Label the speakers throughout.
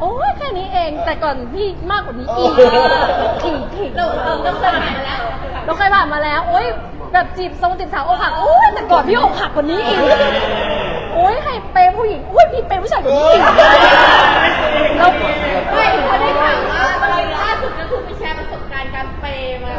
Speaker 1: โอ้ยแค่นี้เองแต่ก่อนพี่มากกว่านี้อีกขิงเราเคยผ่านมาแล้วโอ้ยแบบจีบสาวอกหักโอ้ยแต่ก่อนพี่อกหักกว่านี้อีกโอ้ยใครเปย์ผู้หญิงโอ้ยพี่เปย์ผู้ชายกว่านี้อีกเราไม่เขาได้ข่าวว่าล่าสุดก็คือไปแชร์ประสบการณ์การเปย์มา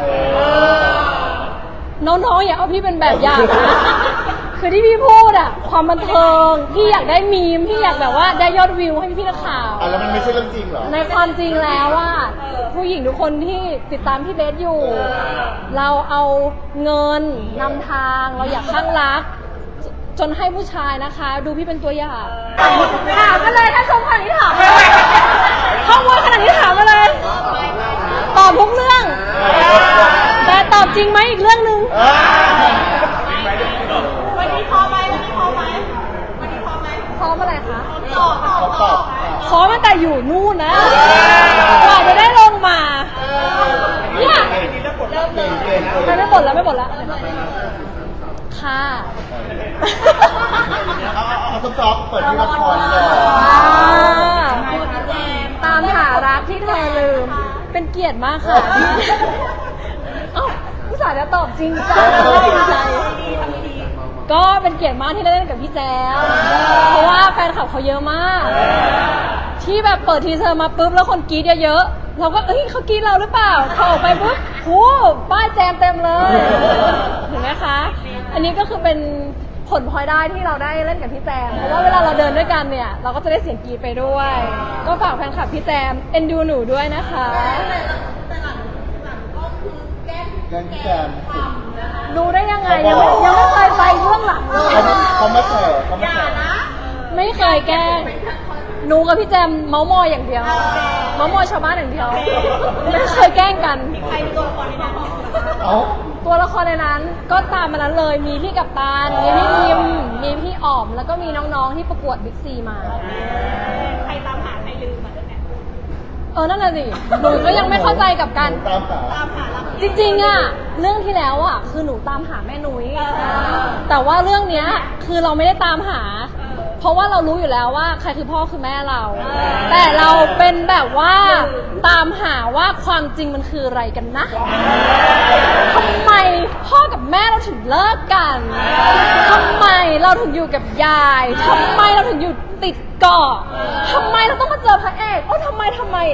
Speaker 1: น้องๆอย่าเอาพี่เป็นแบบอย่างนะคือที่พี่พูดอะความบันเทิงพี่อยากได้มีมพี่อยากแบบว่าได้ยอดวิวให้พี่นักข่าว
Speaker 2: แล้วมันไม่ใช่เรื่องจริงเหรอ
Speaker 1: ในความจริงแล้วว่าผู้หญิงทุกคนที่ติดตามพี่เบสอยู่เราเอาเงินนำทางเราอยากข้างรักจนให้ผู้ชายนะคะดูพี่เป็นตัวอย่างถามมาเลยถ้าชมขนาดนี้ถามข้อมูลขนาดนี้ถามมาเลยตอบทุกเรื่องแต่ตอบจริงไหมอีกเรื่องนึงวันนี้พอไหมพร้อมอะไรคะพร้อมตั้งแต่อยู่นู่นนะกว่าจะได้ลงมาเนี่ยไม่บ่นแล้วค่ะ
Speaker 2: เอาซอฟเปิดที่ละครเลย
Speaker 1: ตามหารักที่เธอลืมเป็นเกียรติมากค่ะผู้สาวจะตอบจริงจังจริงใจก็เป็นเกียรติมากที่ได้เล่นกับพี่แจ๊วเพราะว่าแฟนคลับเขาเยอะมากที่แบบเปิดทีเซอร์มาปุ๊บแล้วคนกรี๊ดเยอะๆเราก็เขากรี๊ดเราหรือเปล่าเขาออกไปปุ๊บโหป้ายแจมเต็มเลยเห็นไหมคะอันนี้ก็คือเป็นผลพลอยได้ที่เราได้เล่นกับพี่แจมเพราะว่าเวลาเราเดินด้วยกันเนี่ยเราก็จะได้เสียงกรี๊ดไปด้วยก็ฝากแฟนคลับพี่แจมเอ็นดูหนูด้วยนะคะดูได้ยังไงยังไม่เคยไปเบื้องหลังเลย
Speaker 2: เขาไม่เคย
Speaker 1: ไม่เคยแกล้งหนูกับพี่แจมเมาส์มอยอย่างเดียวเมาส์มอยชาวบ้านอย่างเดียวไม่เคยแกล้งกันใครตัวละครในนั้นตัวละครในนั้นก็ตามมานั้นเลยมีพี่กัปตันมีพี่พิมมีพี่อ๋อมแล้วก็มีน้องๆที่ประกวดบิ๊กซีมาใครตามหาใครลืมมาด้วยเนี่ยนั่นน่ะสิหนูก็ยังไม่เข้าใจกับการตามหาจริงๆอะเรื่องที่แล้วอะคือหนูตามหาแม่นุ้ยแต่ว่าเรื่องเนี้ยคือเราไม่ได้ตามหาเพราะว่าเรารู้อยู่แล้วว่าใครคือพ่อคือแม่เราแต่เราเป็นแบบว่าตามหาว่าความจริงมันคืออะไรกันนะทำไมพ่อกับแม่เราถึงเลิกกันทำไมเราถึงอยู่กับยายทำไมเราถึงอยู่ติดเกาะทำไมเราต้องมาเจอพระเอกทำไมเราต้องไป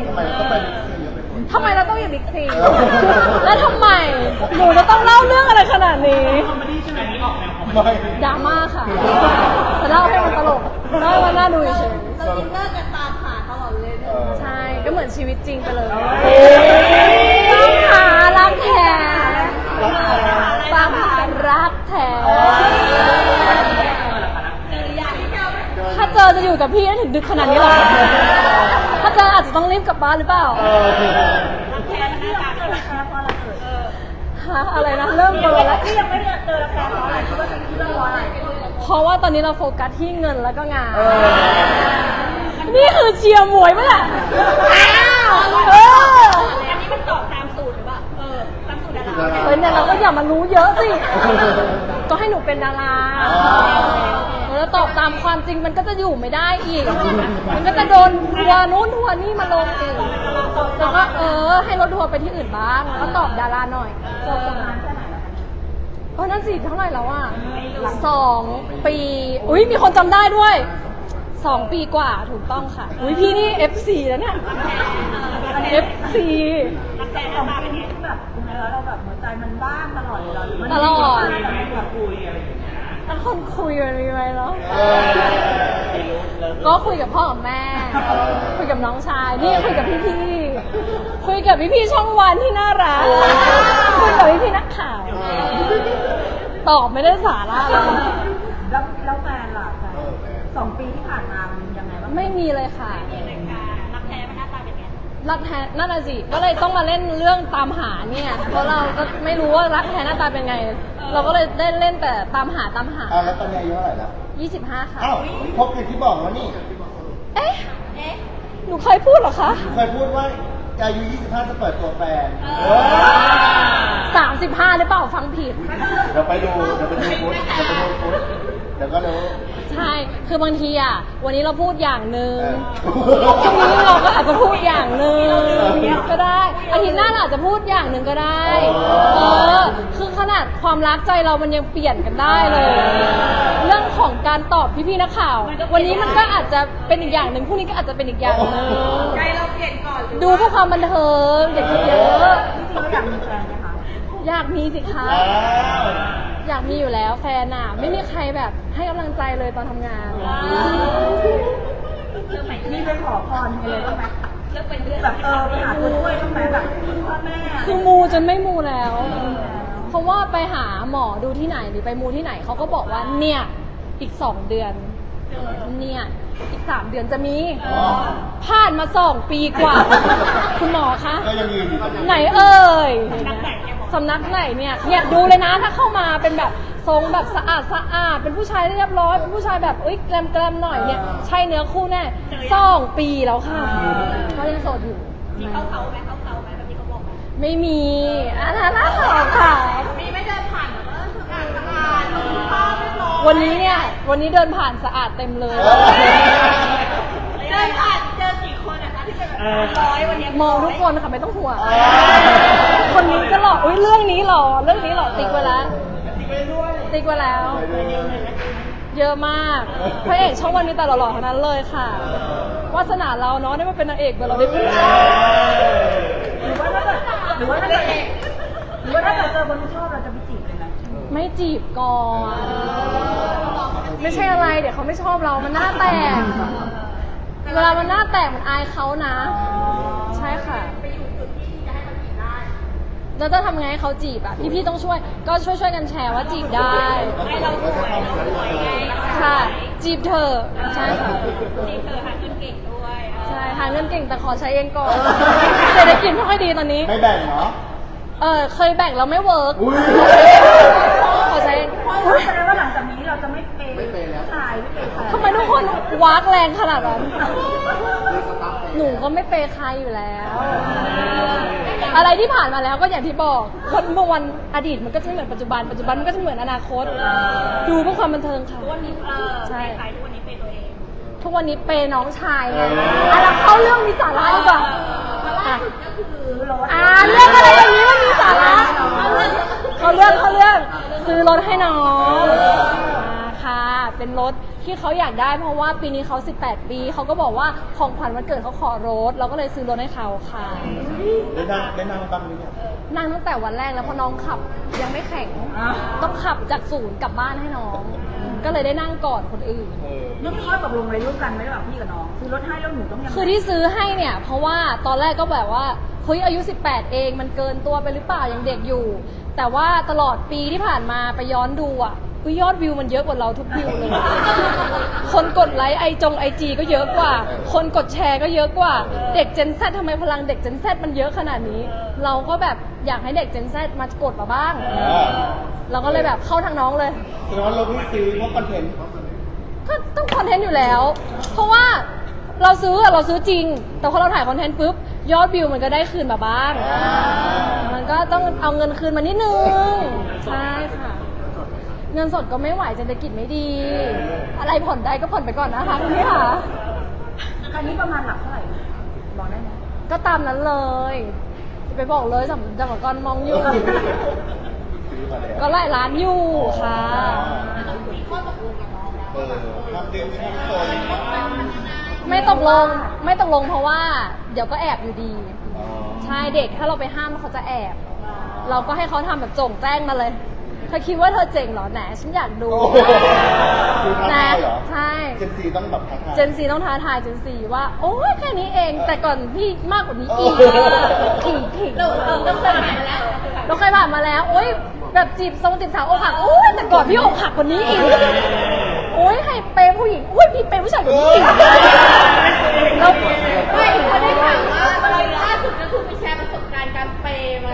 Speaker 1: บิ๊กซีแล้วทำไมหนูจะต้องเล่าเรื่องอะไรขนาดนี้ดราม่าค่ะแต่เล่าให้มันตลกเล่ามันน่าดูเฉยเราอินเนอร์กันตามหาตลอดเลยใช่ก็เหมือนชีวิตจริงไปเลยตามหารักแท้ตามหารักแท้ถ้าเจอจะอยู่กับพี่ได้ถึงดึกขนาดนี้หรอถ้าเจออาจจะต้องรีบกลับบ้านหรือเปล่าอะไรนะเริ่มเบอร์แล้วที่ยังไม่เจอแฟนเพราะอะไรคิดว่าเป็นเรื่องอะไรเพราะว่าตอนนี้เราโฟกัสที่เงินแล้วก็งานนี่คือเชียร์มวยมั้ยล่ะอันนี้มันตอบตามสูตรหรือเปล่าตามสูตรดาราเนี่ยเราก็อย่ามารู้เยอะสิก็ให้หนูเป็นดาราแล้วตอบตามความจริงมันก็จะอยู่ไม่ได้อีกมันก็จะโดนทัวร์นู้นทัวร์นี่มาลงอีกแล้วก็ให้รถทัวร์ไปที่อื่นบ้างแล้วตอบดาราหน่อยนั่นสิเท่าไหร่แล้วอ่ะ2 ปีอุ้ยมีคนจำได้ด้วย2 ปีกว่าถูกต้องค่ะอุ้ยพี่นี่ FC แล้วเนี่ย FC
Speaker 3: 2 ปีนี้แบบเราแบบหัวใจมันบ้างตลอดเลย
Speaker 1: ตลอด
Speaker 3: คุยอะไรอย่างเงี้ย
Speaker 1: แล้วคนคุยมันมีไหมเนาะก็คุยกับพ่อกับแม่คุยกับน้องชายนี่คุยกับพี่คุยกับพี่ช่องวันที่น่ารักคุยกับพี่นักข่าวตอบไม่ได้สาระเลย
Speaker 3: แล้วแฟนล่ะ2 ปีที่ผ่านมามันยังไงบ้าง
Speaker 1: ไม่มีเลยค่ะรักแท้มันหน้าตาเป็นไงรักแท้นั่นน่ะสิก็เลยต้องมาเล่นเรื่องตามหาเนี่ยเพราะเราก็ไม่รู้ว่ารักแท้หน้าตาเป็นไงเราก็เลยได้เล่นแต่ตามหา
Speaker 2: แล้วตอนนี้อายุเท่าไหร่แล้ว
Speaker 1: 25ค่ะ
Speaker 2: ครบอย่างที่บอกแล้วนี่
Speaker 1: เอ๊ะหนูเคยพูดเหรอคะ
Speaker 2: เคยพูดว่าอายุ25จะเปิดตัวแฟน
Speaker 1: 35หรือเปล่าฟังผิด
Speaker 2: เดี๋ยวไปดูฟุตเดี๋ยวก็รู้
Speaker 1: ใช่คือบางทีอ่ะวันนี้เราพูดอย่างนึงพรุ่งนี้เราก็ทิตย์หน้าเราอาจจะพูดอย่างหนึ่งก็ได้คือขนาดความรักใจเรามันยังเปลี่ยนกันได้เลย เรื่องของการตอบพี่ๆนักข่าว วันนี้มันก็อาจจะเป็นอีกอย่างหนึ่งพรุ่งนี้ก็อาจจะเป็นอีกอย่างหนึ่ง
Speaker 3: ใจเราเปลี่ยนก่อน
Speaker 1: ดูเพื่อความบันเทิงอย่าคิดเยอะ
Speaker 3: จริงๆเราอยากมีแฟนไหมคะ
Speaker 1: อยากมีสิคะอยากมีอยู่แล้วแฟนอ่ะไม่มีใครแบบให้กำลังใจเลยตอนทำงาน
Speaker 3: มีไปขอพรมีเลยบ้างไหมแบบไปหาตัวช่วยบ้างไหมแบบพ่อแม่
Speaker 1: คือมูจนไม่มูแล้ว เพราะว่าไปหาหมอดูที่ไหนหรือไปมูที่ไหนเขาก็บอกว่าเนี่ยอีก2 เดือนเนี่ยอีก3 เดือนจะมีผ่านมา2 ปีกว่า คุณหมอคะ
Speaker 2: ก็ยังยืนอยู่
Speaker 1: ไหนเอ่ยสำนักไหนเนี่ยดูเลยนะถ้าเข้ามาเป็นแบบทรงแบบสะอาดเป็นผู้ชายเรียบร้อยเป็นผู้ชายแบบแกลมหน่อยเนี่ยใช่เนื้อคู่แน่2 ปีแล้วค่ะเขายังโสดอยู่มีเข้าเขาไหมแบบที่เขาบอกไม่มีน่าขอค่ะมีไม่เดินผ่านแบบสะอาดวันนี้เดินผ่านสะอาดเต็มเลยเดินผ่านเจอกี่คนนะคะที่เป็นแบบ100วันนี้มองทุกคนค่ะไม่ต้องห่วงคนนี้ก็หล่อเรื่องนี้หล่อติ๊กไว้แล้วเยอะมากพระเอกช่องวันมีแต่หล่อๆทั้งนั้นเลยค่ะวาสนาเราเนาะได้มาเป็นนางเอกแบบเราได้เป็น
Speaker 3: หรือว่าถ้าเกิดเจอคนที่ชอบเราจะไปจีบเลยไหม
Speaker 1: ไม่จีบก่อนไม่ใช่อะไรเดี๋ยวเขาไม่ชอบเรามันหน้าแตกเวลามันหน้าแตกมันอายเขานะใช่ค่ะไปอยู่จุดที่จะให้มันจีบได้แล้วจะทำไงให้เขาจีบอ่ะพี่ๆต้องช่วยก็ช่วยกันแชร์ว่าจีบได้ให้เราสวยไงค่ะจีบเธอใช่ค่ะจีบเธอหาเงินเก่งด้วยใช่หาเงินเก่งแต่ขอใช้เองก่อนเศรษฐกิจไม่ค่อยดีตอนนี้
Speaker 2: ไม่แบ่งเนาะ
Speaker 1: เคยแบ่งแล้วไม่เวิร์กขอใช้
Speaker 3: แสดงว่าหลังจากนี้เราจะไม่เปย์ชายไม่เปย์ใคร
Speaker 1: ทำไมทุกคนวากแรงขนาดนั้นหนูก็ไม่เปย์ใครอยู่แล้ว อะไรที่ผ่านมาแล้วก็อย่างที่บอกคนเมื่อวันอดีตมันก็จะไม่เหมือนปัจจุบันมันก็จะเหมือนอนาคตดูเพื่อความบันเทิงค่ะทุกวันนี้ใช่ทุกวันนี้เปย์ตัวเองทุกวันนี้เปย์น้องชายไงแล้วเข้าเรื่องมีสาระดีกว่าเรื่องอะไรอย่างนี้มันมีสาระเขาเรื่องซื้อรถให้น้องค่ะเป็นรถที่เขาอยากได้เพราะว่าปีนี้เขา18 ปีเขาก็บอกว่าของขวัญวันเกิดเขาขอรถเราก็เลยซื้อรถให้เขาค่ะ
Speaker 2: ได้นั่งบ้างหรือยัง
Speaker 1: นั่งตั้งแต่วันแรกแล้วเพราะน้องขับยังไม่แข็งต้องขับจากศูนย์กลับบ้านให้น้องก็เลยได้นั่งก่อนคนอื่น
Speaker 3: เรื่องข้อตกลงอะไรร่วมกันไหมระหว่างพี่กับน้องซื้อรถให้แล้วหนูต้องยังไง
Speaker 1: คือที่ซื้อให้เนี่ยเพราะว่าตอนแรกก็แบบว่าเฮ้ยอายุ18เองมันเกินตัวไปหรือเปล่ายังเด็กอยู่แต่ว่าตลอดปีที่ผ่านมาไปย้อนดูอ่ะยอดวิวมันเยอะกว่าเราทุกวิวเลย คนกดไลค์ไอจีก็เยอะกว่า คนกดแชร์ก็เยอะกว่าเด็ก Gen Z ทำไมพลังเด็ก Gen Z มันเยอะขนาดนี้เราก็แบบอยากให้เด็ก Gen Z มากดมาบ้างเราก็เลยแบบเข้าทางน้องเลย
Speaker 2: แสดงว่าเราไม่ซื้อเพราะคอนเทนต์
Speaker 1: ก็ต้องคอนเทนต์อยู่แล้วเพราะว่าเราซื้อจริงแต่พอเราถ่ายคอนเทนต์ปุ๊บยอดวิวมันก็ได้คืนมาบ้างมันก็ต้องเอาเงินคืนมานิดนึงใช่ค่ะเงินสดก็ไม่ไหวเศรษฐกิจไม่ดีอะไรผ่อนได้ก็ผ่อนไปก่อนนะคะคุณพี่ค่ะ
Speaker 3: อันนี้ประมาณหลักเท่าไหร่บอกได้ไหม
Speaker 1: ก็ตามนั้นเลยจะไปบอกเลยสำหรับกรมองอยู่ก็หลายล้านอยู่ค่ะมีข้อตกลงกับน้องแล้วไม่ตกลงเพราะว่าเดี๋ยวก็แอบอยู่ดีใช่เด็กถ้าเราไปห้ามเขาจะแอบเราก็ให้เขาทำแบบโจ่งแจ้งมาเลยเธอคิดว่าเธอเจ๋งเหรอแหนฉันอยากดู
Speaker 2: นะ
Speaker 1: ใช่
Speaker 2: เจนซีต้องแบบท้าทาย
Speaker 1: เจนซีต้องท้าทายเจนซีว่าโอ้ยแค่นี้เองแต่ก่อนพี่มากกว่านี้อีกขิงเราเคยผ่านมาแล้วโอ้ยแบบจีบสาวอกหักโอ้ยแต่ก่อนพี่อกหักกว่านี้อีกโอ้ยให้เปย์ผู้หญิงโอ้ยพี่เปย์ผู้ชายกว่านี้อีกแล้วไม่เขาได้ถามว่าล่าสุดก็คือไปแชร์ประสบการณ์การเปย์มา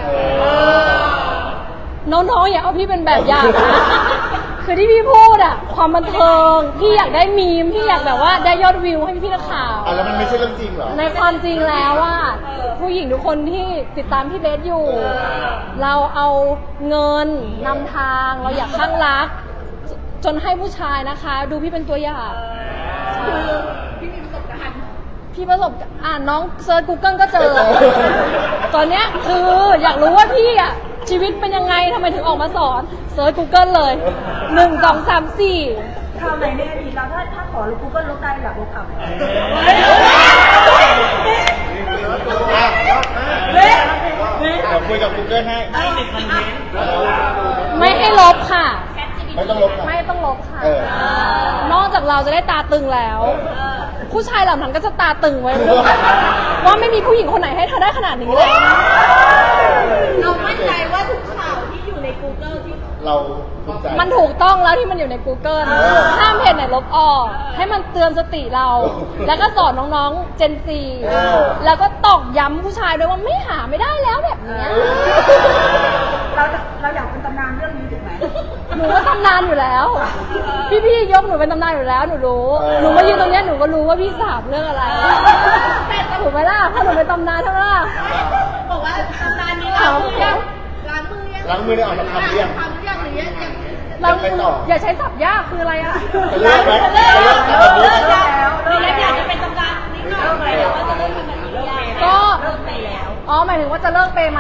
Speaker 1: น้องๆอย่าเอาพี่เป็นแบบอย่างนะคือที่พี่พูดอะความบันเทิงพี่อยากได้มีมพี่อยากแบบว่าได้ยอดวิวให้พี่นักข่าว
Speaker 2: แล้วมันไม่ใช่เรื่องจริงเหรอ
Speaker 1: ในความจริงแล้วว่าผู้หญิงทุกคนที่ติดตามพี่เบสอยู่เราเอาเงินนำทางเราอยากข้างรักจนให้ผู้ชายนะคะดูพี่เป็นตัวอย่างพี่มีประสบการณ์น้องเซิร์ช Google ก็เจอตอนเนี้ยคืออยากรู้ว่าพี่อ่ะชีวิตเป็นยังไงทำไมถึงออกมาสอนเซิร์ช Google เลย 1 2 3 4
Speaker 3: คำไหนในอดีตเราถ้าขอลบ Google ลบได้อยากลบคำ
Speaker 2: เดี๋ยวคุยกับ Google ให้
Speaker 1: ไม่ให้ลบค่ะ
Speaker 2: ไม่ต้องลบค่ะ
Speaker 1: ไม่ต้องลบค่ะ
Speaker 2: เออ
Speaker 1: นอกจากเราจะได้ตาตึงแล้ว ผู้ชายเหล่านั้นก็จะตาตึงไว้ด้วยว่าไม่มีผู้หญิงคนไหนให้เธอได้ขนาดนี้เลย
Speaker 3: เรามั่นใจว่าทุกข่าวที่อยู่ใน Google ที่
Speaker 2: เราภูมิใจ
Speaker 1: มันถูกต้องแล้วที่มันอยู่ใน Google ห้ามเพจไหนลบออก ให้มันเตือนสติเรา แล้วก็สอนน้องๆ Gen Z แล้วก็ตอกย้ำผู้ชายด้วยว่าไม่หาไม่ได้แล้วแบบเนี้ย
Speaker 3: เราอยากเป็นตำนานเรื่องนี้ถูกไหม
Speaker 1: หนูก็ตำนานอยู่แล้ว พี่ๆยกหนูเป็นตำนานอยู่แล้วหนูรู้ หนูมายืนตรงเนี้ยหนูก็รู้ว่าพี่สาบเรื่องอะไรถูกไหมล่ะเพราะหนูเป็นตำนานเท่านั้นล่ะ
Speaker 3: บอกว่าตำนานนี้ล้างมือยังล้างมือยัง
Speaker 2: ล้างมือได้ออกมาทำเรียง
Speaker 3: ทำยังหรือยัง
Speaker 1: เรา
Speaker 2: ไปต่อ
Speaker 1: อย่าใช้ศัพท์ยากคืออะไรอะ
Speaker 2: จะเลิกไหมจะเลิกทำแบบนี้
Speaker 3: แล้วอยากจะเป็นตำนานนี้เลิกไปแล้วว่าจะเลิกทำแบบนี้ยัง
Speaker 1: ก็
Speaker 3: เลิกไปแล้ว
Speaker 1: อ๋อหมายถึงว่าจะเลิกเปย์ไหม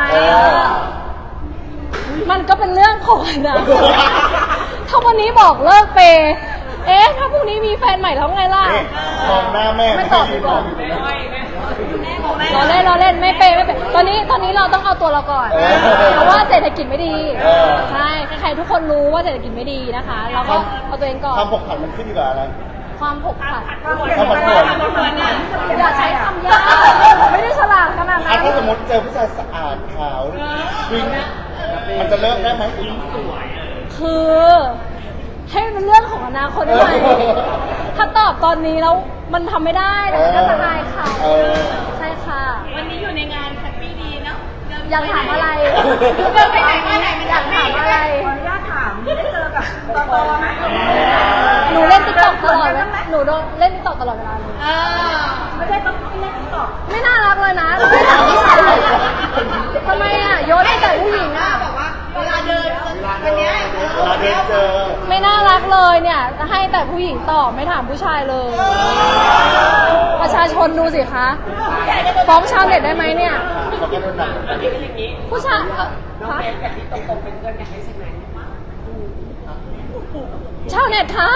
Speaker 1: มันก็เป็นเรื่องของอนะถ้าวันนี้บอกเลิกเปย์ถ้าพรุ่งนี้มีแฟนใหม่แล้วไงล่ะ
Speaker 2: นี่มองหน้าแม่
Speaker 1: ไม่ตอบดีกว่า
Speaker 2: ไม่
Speaker 1: เราเล่นไม่เปย์ตอนนี้เราต้องเอาตัวเราก่อน เพราะว่าเศรษฐกิจไม่ดี ใช่ใครๆทุกคนรู้ว่าเศรษฐกิจไม่ดีนะคะ เราก็เอาตัวเองก่อน
Speaker 2: ความผกผันมันขึ้นอยู่กับอะไร
Speaker 1: ความผกผัน
Speaker 2: ความผันผวน
Speaker 1: อย่าใช้คำยากไม่ได้ฉลาดขนาดนั้น
Speaker 2: ถ้าสมมติเจอผู้ชายสะอาดขาววิ่งมันจะเลิกได้ไหม
Speaker 1: คือให้มันเป็นเรื่องของอนาคตได้ไหมถ้าตอบตอนนี้แล้วมันทำไม่ได้แล้วมันก็จะอายเขา
Speaker 2: เออ
Speaker 1: ใช่ค่ะ
Speaker 3: วันนี้อยู่ในงานแฮปปี้ดีเนาะ
Speaker 1: อยากถามอะไร
Speaker 3: เดินไปไหนมาไหนมัน
Speaker 1: อยากถามอะไร
Speaker 3: ขออนุญาตถามได้เจอกับตอไหม
Speaker 1: หนูเล่นติ๊กต็อกตลอดเวลาหนูโดนเล่นติ๊กต็อกตลอดเวลาเลย
Speaker 3: ไม่ใช่ต้องเล่นติ๊กต็อก
Speaker 1: ไม่น่ารักเลยนะไม่ถามผู้ชายเลยทำไมอ่ะโยนให้แต่ผู้หญิงอ่ะ
Speaker 3: แบบว่าเวลาเดินวันเนี้ย
Speaker 2: เวลาเดินเจอ
Speaker 1: ไม่น่ารักเลยเนี่ยให้แต่ผู้หญิงตอบไม่ถามผู้ชายเลย ประชาชนดูสิคะฟ้องชาวเน็ตได้ไหมเนี่ย
Speaker 2: เขาก็โดนหนัก
Speaker 1: ผู้ชายคะชาวเน็ตคะ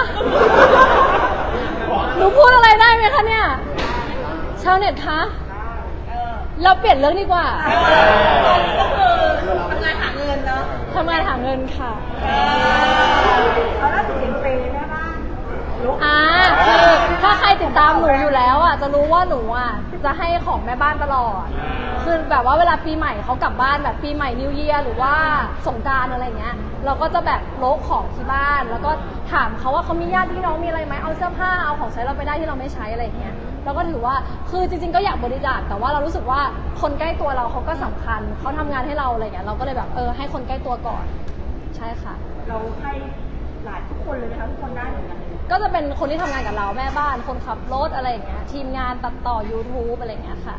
Speaker 1: หนูพูดอะไรได้ไหมคะเนี่ยชาวเน็ตคะเราเปลี่ยนเรื่องดีกว่า
Speaker 3: ก็คือทำงานหาเงินเนาะ
Speaker 1: ทำงานหาเงินค่ะ
Speaker 3: เขาน่าจะเห็นเปย์แม่บ้าน
Speaker 1: คือถ้าใครติดตามหนูอยู่แล้วอ่ะจะรู้ว่าหนูอ่ะจะให้ของแม่บ้านตลอด คือแบบว่าเวลาปีใหม่เขากลับบ้านแบบปีใหม่นิวเยียร์หรือว่าสงกรานต์อะไรเงี้ยเราก็จะแบบโลกของที่บ้าน แล้วก็ถามเขาว่าเขามีญาติพี่น้องมีอะไรไหมเอาเสื้อผ้าเอาของใช้เราไปได้ที่เราไม่ใช้อะไรเงี้ยเราก็ถือว่าคือจริงๆก็อยากบริจาคแต่ว่าเรารู้สึกว่าคนใกล้ตัวเราเขาก็สำคัญเขาทำงานให้เราอะไรเงี้ยเราก็เลยแบบให้คนใกล้ตัวก่อนใช่ค่ะ
Speaker 3: เราให้หลานทุกคนเลยนะคะทุกคนได้เหมือนกันเลย
Speaker 1: ก็จะเป็นคนที่ทำงานกับเราแม่บ้านคนขับรถอะไรอย่างเงี้ยทีมงานตัดต่อ YouTube อะไรอย่างเงี้ยค่ะ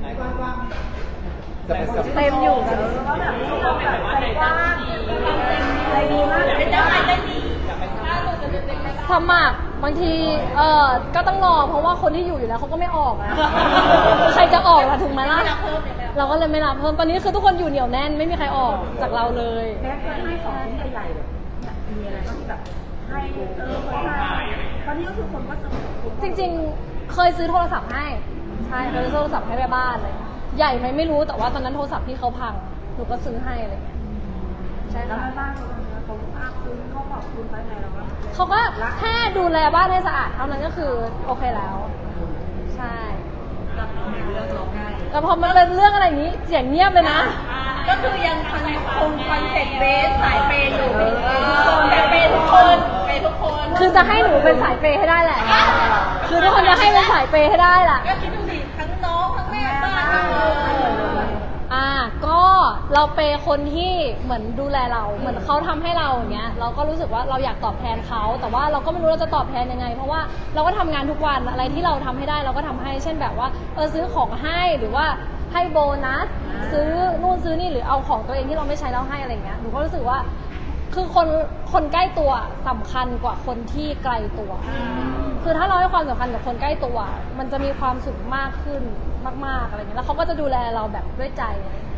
Speaker 2: จะเป็นสัป
Speaker 1: เต็มอยู่กัน
Speaker 3: ก็แบบเราแบบใจกว้างอะไรดีมากเป็นเจ้าชายได้ดี
Speaker 1: สมัครบางทีก็ต้องรอเพราะว่าคนที่อยู่แล้วเขาก็ไม่ออกอะใครจะออกล่ะถูกไหมล่ะเราก็เลยไม่รับเพิ่มตอนนี้คือทุกคนอยู่เหนียวแน่นไม่มีใครออกจากเราเลย
Speaker 3: แม่เคยให้ของชิ้นใหญ่ๆเลยมีอะไรบ้างที่แบบให้เคยให้ตอนนี้ก็คือคนก็สนุก
Speaker 1: จริงๆเคยซื้อโทรศัพท์ให้ใช่เคยซื้อโทรศัพท์ให้แม่บ้านเลยใหญ่ไหมไม่รู้แต่ว่าตอนนั้นโทรศัพท์ที่เขาพังหนูก็ซื้อให้อะไรเงี้ยใช่
Speaker 3: แล้ว
Speaker 1: ค่ะ
Speaker 3: แม่บ้านเขาภาคคุณเขาขอบคุณไปไงเราก็
Speaker 1: เขาก็แค่ดูแลบ้านให้สะอาดเท่านั้นก็คือโอเคแล้ว ใช่แต่พอมันเป็นเรื่องอะไรอย่างนี้เสียงเงียบเลยนะ
Speaker 3: ก็คือยังคงคอนเซ็ปต์เบสสายเปย์อยู่แต่เปย์ทุกคนเปย์ทุกคน
Speaker 1: คือจะให้หนูเป็นสายเปย์ให้ได้แหละ คือทุกคนจะให้เป็นสายเปย์ให้ได้แหละ
Speaker 3: ก็คิดดูสิทั้งน้องทั้งแม่บ้านทั้ง
Speaker 1: ก็เราเปย์คนที่เหมือนดูแลเรา เหมือนเขาทำให้เราอย่างเงี้ย เราก็รู้สึกว่าเราอยากตอบแทนเขา แต่ว่าเราก็ไม่รู้เราจะตอบแทนยังไง เพราะว่าเราก็ทำงานทุกวัน อะไรที่เราทำให้ได้เราก็ทำให้ เช่นแบบว่าซื้อของให้หรือว่าให้โบนัส ซื้อนู่นซื้อนี่หรือเอาของตัวเองที่เราไม่ใช้แล้วให้อะไรเงี้ย หนูก็รู้สึกว่าคือคนใกล้ตัวสำคัญกว่าคนที่ไกลตัว คือถ้าเราให้ความสำคัญกับคนใกล้ตัว มันจะมีความสุขมากขึ้นมากๆอะไรเงี้ยแล้วเขาก็จะดูแลเราแบบด้วยใจ